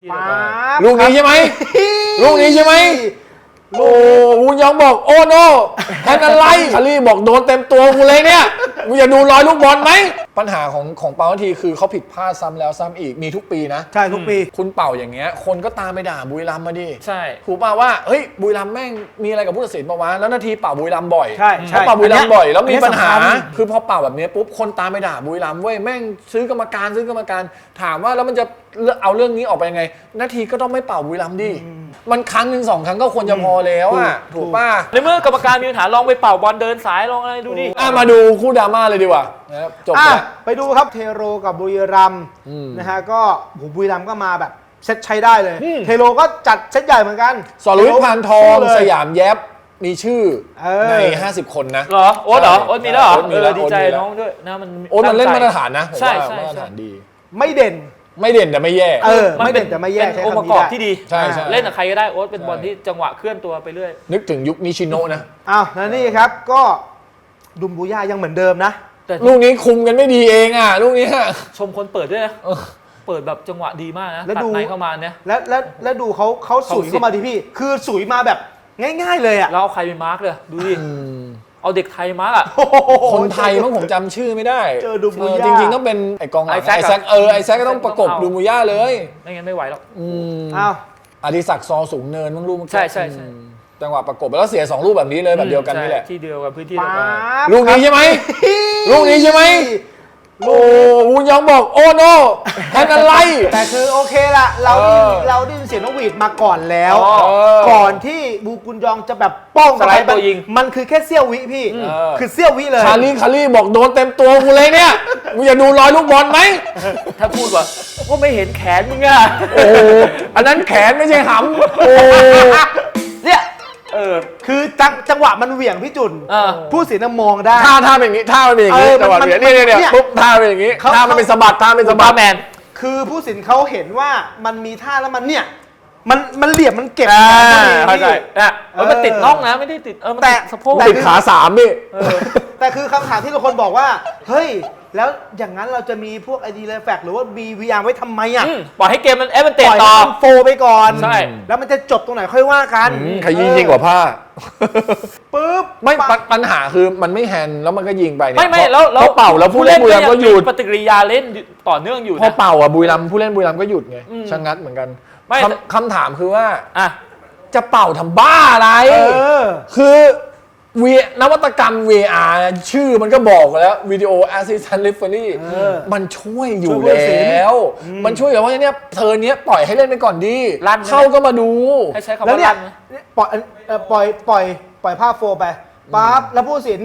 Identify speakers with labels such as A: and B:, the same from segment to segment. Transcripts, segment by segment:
A: เดียว
B: ลูกนี้ใช่ไหมลูกนี้ใช่ไหมโอ้วูยองบอกโอ้โนแทนอะไรคารี่บอกโดนเต็มตัวกูเลยเนี่ยมึงอย่าดูรอยลูกบอลไหมปัญหาของเปาทีคือเขาผิดพลาดซ้ำแล้วซ้ำอีกมีทุกปีนะ
A: ใช่ทุกปี
B: คุณเป่าอย่างเงี้ยคนก็ตามไปด่าบุรีรัมย์มาดิ
C: ใช่
B: ถูกป่าวว่าเฮ้ยบุรีรัมย์แม่งมีอะไรกับผู้ตัดสินปะวะแล้วนาทีเป่าบุรีรัมย์บ่อย
A: ใช่
B: เขาเป่าบุรีรัมย์บ่อยแล้วมีปัญหาคือพอเป่าแบบนี้ปุ๊บคนตามไปด่าบุรีรัมย์เว้ยแม่งซื้อกรรมการถามว่าแล้วมันจะเอาเรื่องนี้ออกไปยังไงนาทีก็ต้องไม่เป่าบุรีรัมย์ดิมันครั้งหนึ่ง2 ครั้งก็ควรจะพอแล้วอ่ะถูกป่ะ
C: ในเมื่อกรรมการมีปัญหาลองไปเป่าบอลเดินสายลองอะไรดูดิ
B: มาดูคู่ดราม่าเลยดีกว่านะครับจบแล้ว
A: ไปดูครับเทโรกับบุรีรัมย์นะฮะก็บุรีรัมย์ก็มาแบบเซตใช้ได้เลยเทโรก็จัดเซตใหญ่เหมือนกัน
B: สรวิทย์ พานทองสยามแยบมีชื่อใน50 คนนะ
C: เหรอโอ๊ตมีแล้วเหรอดีใจน้องด้วยนะ
B: โอ๊ตมันเล่นมาตรฐานนะ
C: ใช่
B: มาตรฐานดี
A: ไม่เด่น
B: แต่ไม่แย่
A: ไม่เด่นแต่ไม่แย่
C: เป็นองค์ประกอบที่ดี
B: ใช่
C: เล่นกับใครก็ได้โอ๊ตเป็นบอลที่จังหวะเคลื่อนตัวไปเรื่อย
B: นึกถึงยุคนิชิโนะนะ
A: แล้วนี่ครับก็ดุมบูย่ายังเหมือนเดิมนะ
B: แต่ลูกนี้คุมกันไม่ดีเองอ่ะลูกนี้
C: ชมคนเปิดด้วยนะเปิดแบบจังหวะดีมากนะตัดในเข้ามาเนี่ย
A: แล้วดูเขาสุยเข้ามาดิพี่คือสุยมาแบบง่ายๆเลยอ่ะ
C: แล้วเอาใครไปมาร์กเลยดูดิเอาเด็กไทยมาร์กอ่ะ
B: คนไทยมั้งผมจำชื่อไม่ได้
A: เจอดูมูย่า
B: จริงๆต้องเป็นไอกองหลังไอแซคไอแซคก็ต้องประกบดูมูย่าเลย
C: ไม่งั้นไม่ไหวหรอก
B: อดิศักดิ์ซอสูงเนินมั้งลูก
C: ใช่
B: จังหวะประกบแล้วเสีย2 ลูกแบบนี้เลยแบบเดียวกันนี่แหละ
C: ที่เดียวกันพื้นที่
B: ลูกนี้ใช่ไหมลูกนี้ใช่ไหมโอ้วูยองบอกโอ้โนแทนอะไร
A: แต่คือโอเคละเราได้ยินเสียงนกหวีดมาก่อนแล้วก่อนที่บูกุนยองจะแบบป้อง
C: สไลด์ตัวยิง
A: มันคือแค่เสี้ยววิพี่คือเสี้ยววิเลย
B: คารี่บอกโดนเต็มตัวกูเลยเนี่ยมึงอย่าดูรอยลูกบอลไหม
C: ถ้าพูดว่าไม่เห็นแขนมึงอ่ะ
B: โอ้อันนั้นแขนไม่ใช่หำโอ้
A: เนี่ยคือจังหวะมันเหวี่ยงพี่จุนผู้สินมองได้
B: ท่าเป็นอย่างนี้ท่าเป็นอย่างนี้จังหวะเหวี่ยงเนี่ยปุ๊บท่าเป็นอย่างนี้ท่ามันเป็นสะบัดท่าเป็นสะบัด
C: แมน
A: คือผู้สินเขาเห็นว่ามันมีท่าแล้วมันเนี่ยมันเหลี่ยมมันเก็บ
B: เข้าใจ
C: มันติดน่องนะไม่ได้ติด
A: แต่
C: สะโพก
B: ติดขา3นี่
A: แต่คือคำถามที่ทุกคนบอกว่าเฮ้ยแล้วอย่างนั้นเราจะมีพวก ID Reflex หรือว่า BVR ไว้ทำไมอ่ะ
C: ปล่อยให้เกมมันเตะต่อ
A: โฟไปก่อน
C: ใช่
A: แล้วมันจะจบตรงไหนค่อยว่ากัน
B: ขยี้ยิ่งกว่าผ้า
A: ปึ๊บ
B: ไม่ปัญหาคือมันไม่แฮนด์แล้วมันก็ยิงไปเนี่ย
C: ไม่แล้ว
B: เป่าแล้วผู้เล่นบุรีรัมย์ก็หยุด
C: ปฏิกิริยาเล่นต่อเนื่องอยู่
B: พอเป่าอ่ะบุรีรัมย์ผู้เล่นบุรีรัมย์ก็หยุดไงชะงัดเหมือนกันคำถามคือว่าจะเป่าทำบ้าอะไรคือนวัตกรรม VR ชื่อมันก็บอกแล้ว Video Assistant Referee มันช่วยอยู่แล้วมันช่วยอยู่ว่าเนี่ยเธอเนี้ยปล่อยให้เล่นไปก่อนดีเข้าก็มาดู
C: ให้ใช้คำว่าลั่น
A: ปล่อยภาพโฟไปปั๊บแล้วผู้สิน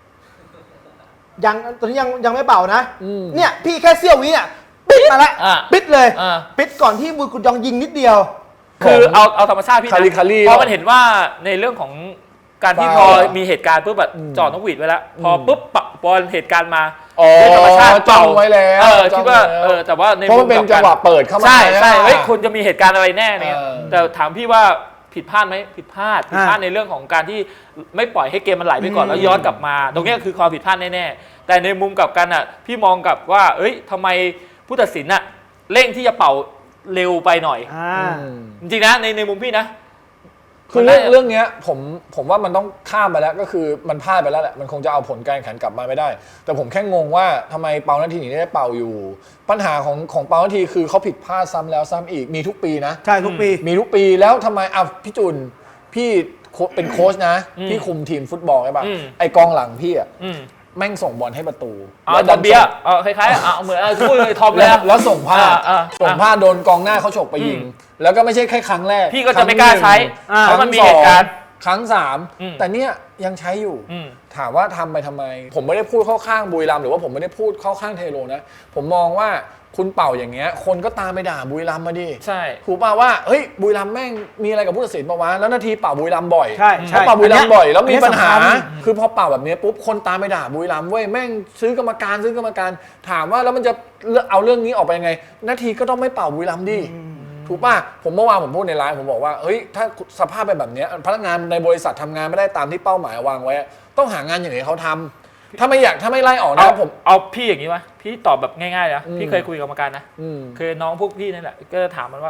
A: ตอนนี้ยังไม่เป่านะเนี่ยพี่แค่เสี้ยววิอ่ะปิดมาแล้วปิดเลยปิดก่อนที่บุญกุญยองยิงนิดเดียว
C: คือเอาธรรมชาติพี่นะเพราะมันเห็นว่าในเรื่องของการที่พอมีเหตุการณ์ปุ๊บแบบจอดนกหวีดไว้แล้วพอปุ๊บพอเหตุการณ์มา
B: ธรรมชาติจ้องไว้แล้ว
C: คิดว่าแต่ว่าใน
B: มุมเป็นจังหวะเปิดเข้ามา
C: ใช่เฮ้ยคุณจะมีเหตุการณ์อะไรแน่เนี่ยแต่ถามพี่ว่าผิดพลาดไหมผิดพลาดในเรื่องของการที่ไม่ปล่อยให้เกมมันไหลไปก่อนแล้วย้อนกลับมาตรงนี้คือความผิดพลาดแน่ๆแต่ในมุมกลับกันอ่ะพี่มองกับว่าเอ้ยทำไมผู้ตัดสินอ่ะเร่งที่จะเป่าเร็วไปหน่อยจริงๆนะในมุมพี่นะ
B: คือเรื่องนี้ผมว่ามันต้องข้ามไปแล้วก็คือมันพลาดไปแล้วแหละมันคงจะเอาผลการแข่งขันกลับมาไม่ได้แต่ผมแค่งงว่าทำไมเปานาทีนี้ได้เป่าอยู่ปัญหาของเปานาทีคือเขาผิดพลาดซ้ำแล้วซ้ำอีกมีทุกปีนะ
A: ใช่ทุกปี
B: มีทุกปีแล้วทำไมพี่จุนพี่เป็นโค้ชนะพี่คุมทีมฟุตบอลใช่ป่ะไอกองหลังพี่อ่ะแม่งส่งบอลให้ประตู
C: แล้วดันเบียคล้ายๆเหมือนช่วยทอม
B: แล้วส่งพลาดโดนกองหน้าเขาฉกไปยิงแล้วก็ไม่ใช่แค่ครั้งแรก
C: พี่ก็จะไม่กล้าใช้เพราะมันมีเหตุการณ์
B: ครั้ง3แต่เนี่ยยังใช้อยู่ถามว่าทำไปทำไมผมไม่ได้พูดเข้าข้างบุรีรัมย์หรือว่าผมไม่ได้พูดเข้าข้างเทโรนะผมมองว่าคุณเป่าอย่างเงี้ยคนก็ตามไปด่าบุรีรัมย์มาดิ
C: ใช่
B: ถูกป่าวว่าเฮ้ยบุรีรัมย์แม่งมีอะไรกับผู้ตัดสินปะวะแล้วนาทีเป่าบุรีรัมย์บ่อย
A: เขา
B: เป่าบุรีรัมย์บ่อยแล้วมีปัญหาคือพอเป่าแบบนี้ปุ๊บคนตามไปด่าบุรีรัมย์เว้ยแม่งซื้อกรรมการถามว่าแล้วมันจะเอาเรื่องนี้ออกไปยังไงนาทีก็ต้องไม่เป่าบุรีรัมย์ดิถูกป่ะผมเมื่อวานผมพูดในไลฟ์ผมบอกว่าเฮ้ยถ้าสภาพเป็นแบบนี้พนักงานในบริษัททำงานไม่ได้ตามที่เป้าหมายวางไว้ต้องหางานอย่างไรเขาทำถ้าไม่ไล่ออกนะผม
C: เอาพี่อย่างนี้ไหมพี่ตอบแบบง่ายๆนะพี่เคยคุยกับกรรมการนะคือน้องพวกพี่นั่นแหละก็ถามมันว่า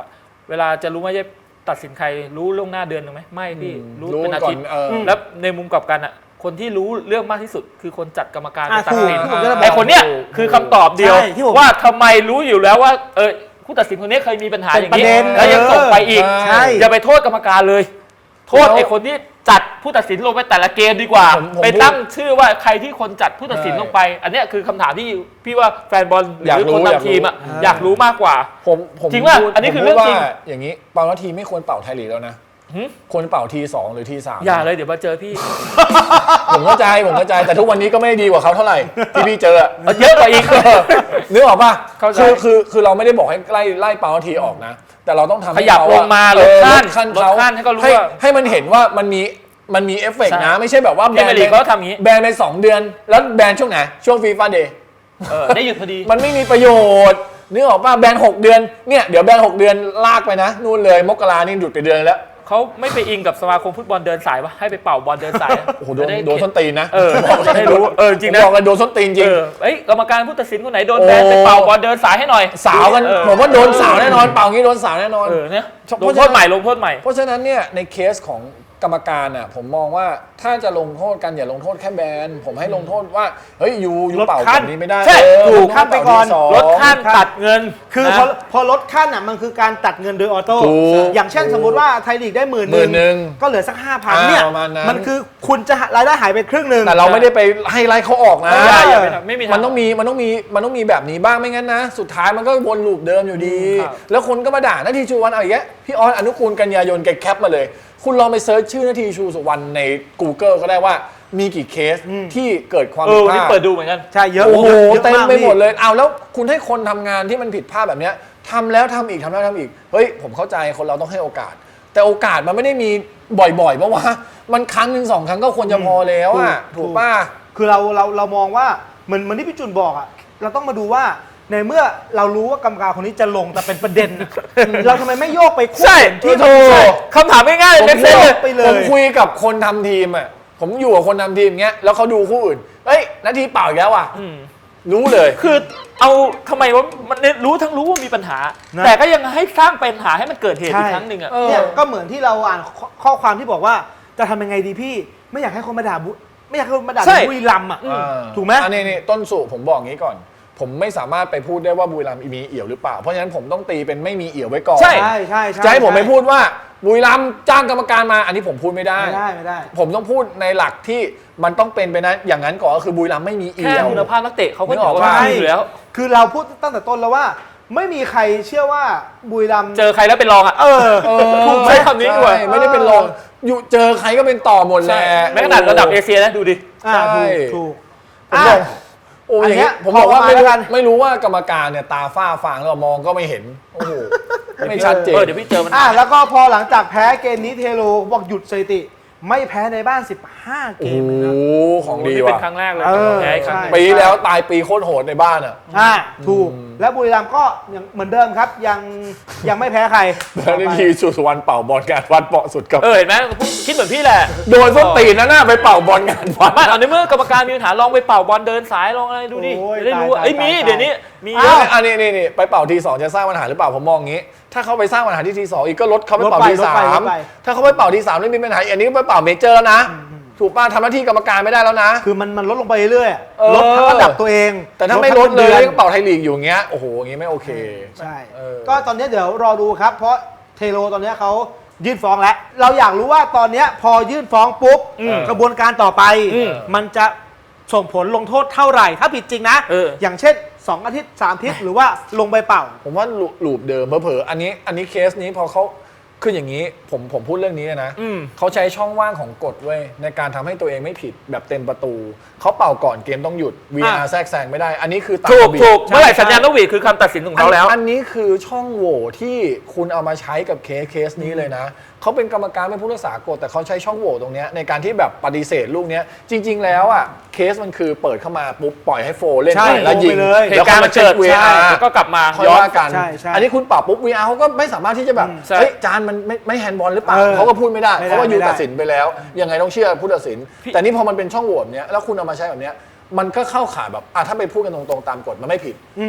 C: เวลาจะรู้ว่าจะตัดสินใครรู้ล่วงหน้าเดือนหนึ่งไหมไม่พี่รู้
B: รู้
C: เป็นอา
B: ก่อ
C: ทิ
B: น
C: ตย์
B: อืม
C: แล้วในมุมกลับกันอ่ะคนที่รู้เรื่องมากที่สุดคือคนจัดกรรมการ
A: อ่ะ
C: ตัดสิน
A: ถูกที่ผมจะบอก
C: ไอ้คนเนี้ยคือคำตอบเดียว
A: ใช่ที่ผม
C: ว่าทำไมรู้อยู่แล้วว่าผู้ตัดสินคนนี้เคยมีปัญหาอย่างนี้
A: เป็นประเด็น
C: แล้วยังส่งไปอีก
A: ใช่
C: อย่าไปโทษกรรมการเลย โทษไอ้คนที่จัดผู้ตัดสินลงไปแต่ละเกมดีกว่า
B: ผม
C: ไปตั้งชื่อว่าใครที่คนจัดผู้ตัดสินลงไป อันเนี้ยคือคำถามที่พี่ว่าแฟนบอลห
B: อยาก
C: รือ
B: รู้
C: คน
B: อยากรู้
C: ทำทีมอ่ะอยากรู้มากกว่า
B: ผม
C: จริงป่ะ
B: พูด
C: อันนี้คือ
B: ผม
C: เรื่องจริง
B: พูดว่าอย่างนี้เป่านาทีไม่ควรเป่าไทยลีกแล้วนะ
C: หึ
B: ควรเป่าทีสองหรือทีสาม
C: อย่าเลยเดี๋ยวมาเจอพี่
B: ผมเข้าใจแต่ทุกวันนี้ก็ไม่ได้ดีกว่าเขาเท่าไหร่ที่พี่เจออะ
C: เยอะกว่าอีก
B: นึกออกป่ะ
C: เข้าใจ
B: คือเราไม่ได้บอกให้ไล่เป่านาทีออกนะ แต่เราต้องทำให้
C: ขยับ
B: เข
C: ล
B: อะ
C: งมา
B: เออ
C: ลดขั้น
B: เขา
C: ลดขั้นให้เขารู้ว่า
B: ให้มันเห็นว่ามันมีเอฟเฟกต์
C: ใช่
B: นะ ไม่ใช่แบบว่า
C: พรีเมียร์ลีกเขาทำอย่างนี้
B: แบนไป2 เดือน แล้วแบนช่วงไหนช่วงฟีฟ่าเดย์
C: ได้หยุดพอดี
B: มันไม่มีประโยชน์นึกออกป่ะแบน6 เดือนเนี่ยเดี๋ยวแบน6 เดือนลากไปนะนู่นเลยมกรานี่หยุดไปเดือนแล้ว
C: เขาไม่ไปอิงกับสมาคมฟุตบอลเดินสายวะให้ไปเป่าบอลเดินสายอะ
B: โอ้โหโด
C: จะ
B: น
C: ได้
B: โดนส้นตีนนะ
C: จะได้รู้จริงนะ
B: บอกกันโดนส้นตีนจริง
C: กรรมการผู้ตัดสินคนไหนโดนแบนไปเป่าบอลเดินสายให้หน่อย
B: สาวกันผมว่าโดนสาวแน่นอนเป่างี้โดนสาวแน่นอน
C: เนี่ย
B: เพ
C: ล
B: ราะ
C: งโทษใหม่ลงโทษใหม่
B: เพราะฉะนั้นเนี่ยในเคสของกรรมการอ่ะผมมองว่าถ้าจะลงโทษกันอย่าลงโทษแค่แบนผมให้ลงโทษว่าเฮ้ยยู
A: ลด
B: เป่า
A: ขั้
B: แบ
A: น
B: บนี้ไม่ได้
A: ใช่
B: เ
A: ถูกขั้นไปก่อน
B: เป่าที่สอง
C: ลดขั้นตัดเงิน
A: คือ
C: นะ
A: พอลดขั้นอ่ะมันคือการตัดเงินโดยออโต้
B: ถูก
A: อย่างเช่นสมมติว่าไทยลีกได้10,000
B: 10,000
A: ก็เหลือสัก 5,000เนี่ย
B: ประมาณนั้น
A: มันคือคุณจะรายได้หายไปครึ่งหนึ่ง
B: แต่เราไม่ได้ไปให้ไล่เขาออกนะ
C: อย่าไปทำไม่มีทาง
B: มันต้องมีแบบนี้บ้างไม่งั้นนะ สุดท้ายมันก็วนลูปเดิมอยู่ดี
C: ครับ
B: แล้วคนก็มาด่านาทีชูวันเอาอย่างเงี้ยพี่ออนอนุกูลกันยายนแกแคปมาเลย คุณลองไปเซิร์ชชื่อนาทีชูสุวรรณใน Google ก็ได้ว่ามีกี่เคสที่เกิดความผิด
C: วัน
B: พ
C: นี้
B: ลาด
C: เปิดดูเหมือนกัน
A: ใช่เยอะ
B: โอ้โห
A: ยะ
B: เต็ม
A: าก
B: ไปหมด
A: พี่
B: เลยเอาแล้วคุณให้คนทำงานที่มันผิดพลาดแบบเนี้ยทำแล้วทำอีกทำแล้วทำอีกเฮ้ยผมเข้าใจคนเราต้องให้โอกาส แต่โอกาสมันไม่ได้มีบ่อยๆเพราะว่ามันครั้งหนึ่ง2 ครั้งก็ควรจะพอแล้วอ่ะ
A: ถูก
B: ถูกป่ะ
A: คือเรามองว่าเหมือนที่พี่จุนบอกอ่ะเราต้องมาดูว่าในเมื่อเรารู้ว่ากรรมการคนนี้จะลงแต่เป็นประเด็นอะเราทำไมไม่โยกไปคู่
C: ใช่
A: ที่
B: ถูก
A: ใช่
C: คำถามง่ายๆ
B: ผม
C: เล็กเซนเลย
A: ไปเลย
B: ผมคุยกับคนทำทีมอ่ะผมอยู่กับคนทำทีมเงี้ยแล้วเขาดูคู่อื่นเฮ้ยนาทีเปล่าอีกแล้วอ่ะรู้เลย
C: คือเอาทำไมว่ามันรู้ว่ามีปัญหา
A: นะ
C: แต่ก็ยังให้สร้างปัญหาให้มันเกิดเหตุอีกครั้งหนึ่งอ่ะ
A: เนี่ยก็เหมือนที่เราอ่านข้อความที่บอกว่าจะทำยังไงดีพี่ไม่อยากให้คนมาด่าไม่อยากให้คนมาด่า
C: ใช่
A: บุรีรัมย์อ่ะถูกไหม
B: อันนี้ต้นสุผมบอกงี้ก่อน ผมไม่สามารถไปพูดได้ว่าบุรีรัมย์มีเอี่ยวหรือเปล่าเพราะฉะนั้นผมต้องตีเป็นไม่มีเอี่ยวไว้ก่อน
C: ใช่
A: ใช่
B: จะให้ผมไปพูดว่าบุรีรัมย์จ้างกรรมการมาอันนี้ผมพูดไม่ได้
A: ไม่ได้
B: ผมต้องพูดในหลักที่มันต้องเป็นไปนะอย่างนั้นก่อนก็คือบุรีรัมย์ไม่มี
C: แค่
B: เอี่ยว
C: คุณภาพนักเตะเขาก็
B: นึก
C: เห
B: อ
C: นื
B: อก
C: อกว่า
B: ปะ
C: ทีมอยู่แล้ว
A: คือเราพูดตั้งแต่ต้นแล้วว่า ไม่มีใครเชื่อว่าบุรีรัมย์
C: เจอใครแล้วเป็นรองอ่ะ ถูกไหมคำนี้ดีกว่า
B: ใช่ไม่ได้เป็นรองอยู่เจอใครก็เป็นต่อหมดแหละ
C: แม้ขนาดระดับเอเชียนะดูดิ
A: อ่า
B: ใช่
A: ถูก
B: ผมบอกโอ้ยอย่างเงี้ย
A: อันเนี้ย
B: ผมบอกว่า
A: พอมา
B: ไม่รู้
A: แล้วกัน
B: ไม่รู้ว่ากรรมการเนี่ยตาฝ้าฟางแล้วมองก็ไม่เห็นโอ้โหไม่ชัดเจน
C: เดี๋ยวพี่เจอมัน
A: แล้วก็พอหลังจากแพ้เกมนี้เทโลบอกหยุดสถิติ ไม่แพ้ในบ้าน 15 เก
B: โอ้
A: ม
B: โห
A: เลยนะ
B: ของดี
C: นี่เป็น
B: ว่ะ
C: ครั้งแรกเลย
A: เออ
C: แพ้อีกครั้งหนึ่ง
B: ปีแล้วตายปีโคตรโหดในบ้านอ่ะ
A: ถูก แล้วบุรีรัมย์ก็ยังเหมือนเดิมครับ ยังไม่แพ้ใคร
B: แล้วนี่ทีสุวรรณเป่าบอลงานวัดเปาะสุดกับ
C: เห็นไหมคิดเหมือนพี่แหละ
B: โดนส้นตีนนะหน้าไปเป่าบอลงานวัด
C: ไม่เอาในเมื่อกรรมการมีปัญหาลองไปเป่าบอลเดินสายลองอะไรดูดิ
A: โอ้ย
C: จะได้รู้ว่า
A: ตาย
C: เอ้ยมี
A: ตาย
C: เดี๋ยวนี้มีเย
B: เย
C: อะ
B: อะอันนี้ไปเป่าทีสองจะสร้างปัญหาหรือเปล่าผมมองงี้ ถ้าเขาไปสร้างปัญหาที่ทีสองอีกก็ลดเขาไปเป่าทีสาม ถ้าเขาไปเป่าทีสามไม่มีปัญหาอันนี้ก็ไปเป่าเมเจอร์แล้วนะถูกป่ะทำหน้าที่กรรมการไม่ได้แล้วนะ
A: คือมันลดลงไปเรื่อย
B: เออ
A: ลดทั้งระดับตัวเอง
B: แต่ถ้าไม่ลด
A: ทั้ง
B: เล
A: งิน
B: ย
A: ดือน
B: ก็เป่าไทยลีกอยู่อย่างเงี้ยโอ้โหอย่างงี้ไม่โอเค
A: ใช่
B: เออ
A: ก็ตอนนี้เดี๋ยวรอดูครับ เพราะเทโลตอนนี้เขายื่นฟ้องแล้ว เราอยากรู้ว่าตอนนี้พอยื่นฟ้องปุ๊บกระบวนการต่อไป มันจะส่งผลลงโทษเท่าไหร่ ถ้าผิดจริงนะ อย่างเช่น 2 อาทิตย์ 3 อาทิตย์ หรือว่าลงไปเป่า
B: ผมว่าลูปเดิมเผลอๆอันนี้เคสนี้พอเขาคืออย่างนี้ผมพูดเรื่องนี้นะเขาใช้ช่องว่างของกฎเว้ยในการทำให้ตัวเองไม่ผิดแบบเต็มประตูเขาเป่าก่อนเกมต้องหยุด VR แทรกแซงไม่ได้ อันนี้คือตาม
C: ถูก
B: ระเบียบ
C: ถูกเมื่อไหร่สัญญาณนกหวีดคือคำตัดสินของเขาแล้ว
B: อันนี้คือช่องโหว่ที่คุณเอามาใช้กับเคสนี้เลยนะเขาเป็นกรรมการเป็นผู้รักษากฎแต่เขาใช้ช่องโหว่ตรงเนี้ยในการที่แบบปฏิเสธลูกเนี้ยจริง ๆ แล้วอ่ะเคสมันคือเปิดเข้ามาปุ๊บปล่อยให้โฟเล่น
A: ใช่
B: ไปแล้วยิง
A: โฟไปเลย
C: เหตุการณ์มันเกิด
B: แล้วค่อยมาเช็ค VR
C: แล้วก็กลับมา
B: ค่อย
C: ย้อน
B: ว่ากัน
A: ใช่ใช่
B: อันนี้คุณปรับปุ๊บ VR เขาก็ไม่สามารถที่จะแบบ
C: ใช่
B: เฮ้ยจานมันไม่แฮนด์บอลหรือเปล่า
A: เออ
B: เขาก็พูดไม่ได้
A: ไม่ได้
B: เพราะว่ายู
A: ไม่ได้
B: ตัดสินไปแล้วยังไงต้องเชื่อผู้ตัดสิน แต่นี่พอมันเป็นช่องโหว่เนี้ยแล้วคุณเอามาใช้แบบเนี้ยมันก็เข้าข่ายแบบถ้าไปพูดกันตรงๆตามกฎมันไม่ผิด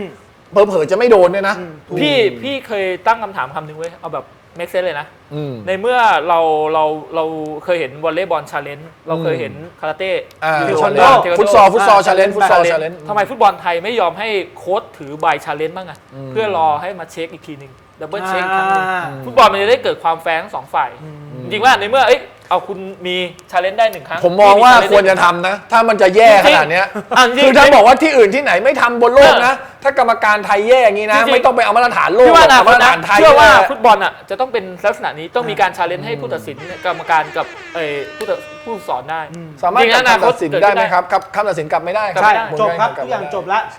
B: เผลอๆจะไม่โดนเนี่ยนะ
C: พี่เคยตั้งคำถามคำหนึ่งไว้เอาแบบ make sense เลยนะ
B: อืม
C: ในเมื่อเราเคยเห็นวอลเลย์บอลชาเลนจ์เราเคยเห็นคาราเต้
B: เทควันโด
C: เทควันโด
B: ฟุตซอลชาเลนจ์ฟุตซอลชาเลนจ์
C: ทำไมฟุตบอลไทยไม่ยอมให้โค้ชถือใบชาเลนจ์บ้างอะเพื่อรอให้มาเช็คอีกทีหนึ่งดับเบิลเช็คครั้งหนึงฟุตบอลมันจะได้เกิดความแฟร์ทั้งสองฝ่ายจริงๆว่าในเมื่อเอาคุณมีชาเลนจ์ได้1 ครั้ง
B: ผมมองว่าควรจะทำนะ ถ้ามันจะแย่ขนาดเนี้ยคือถ้าบอกว่าที่อื่นที่ไหนไม่ทำบนโลกนะ ถ้ากรรมการไทยแย่อย่างนี้นะ ไม่ต้องไปเอามาตรฐานโลก
C: พี่ว่าอนา
B: เอา
C: คต
B: มาตร
C: นะ
B: ฐานไทย
C: เชื่อว่าฟุตบอลอ่ะจะต้องเป็นลักษณะนี้ต้องมีการชาเลนจ์ให้ผู้ตัดสินกรรมการกับผู้สอนได้
B: สามารถกลับคำตัดสินได้ไหมครับคำตัดสินกลับไม่ได้ครับ
A: ใช่
B: ผม
A: จบครับ
B: กลั
A: ทุกอย่าง
B: ไม่ได้
A: จบแล้ว